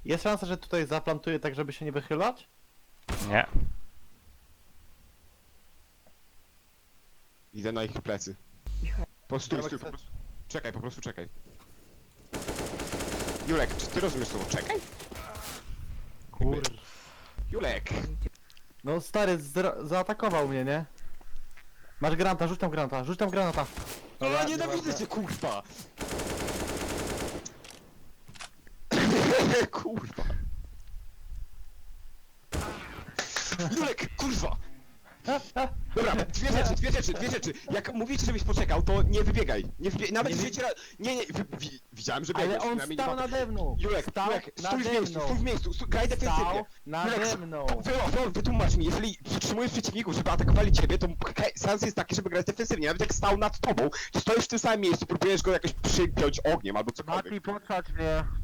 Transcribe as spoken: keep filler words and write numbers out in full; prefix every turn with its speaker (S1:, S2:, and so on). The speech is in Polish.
S1: Jest szansa, że tutaj zaplantuję tak, żeby się nie wychylać?
S2: Nie.
S3: Idę na ich plecy. Po stój, stój, po prostu. Czekaj, po prostu czekaj. Julek, czy ty rozumiesz słowo czekaj?
S1: Kur...
S3: Julek!
S1: No stary, zra- zaatakował mnie, nie? Masz granata, rzuć tam granata, rzuć tam granata.
S3: O, nienawidzę cię, kurwa! Kurwa! Julek, kurwa! Dobra, dwie rzeczy, dwie rzeczy, dwie rzeczy. Jak mówicie, żebyś poczekał, to nie wybiegaj. Nie wybie... Nawet
S1: Nie
S3: nie
S1: wy-
S3: wiecie... Nie, nie, wy... wi... widziałem, że
S1: Ale
S3: biegłeś.
S1: on
S3: przynajmniej nie
S1: stał
S3: ma-
S1: nade mną!
S3: Julek,
S1: stał
S3: Julek, stój w
S1: nade
S3: miejscu,
S1: mną!
S3: stój w miejscu, stój, graj defensywnie.
S1: Stał nade
S3: Julek,
S1: mną!
S3: Wy, wy, wytłumacz mi, jeżeli przytrzymujesz przeciwników, żeby atakowali ciebie, to he- sens jest taki, żeby grać defensywnie. Nawet jak stał nad tobą, to stoisz w tym samym miejscu, próbujesz go jakoś przypiąć ogniem albo cokolwiek.
S1: Mati, podsadź mnie!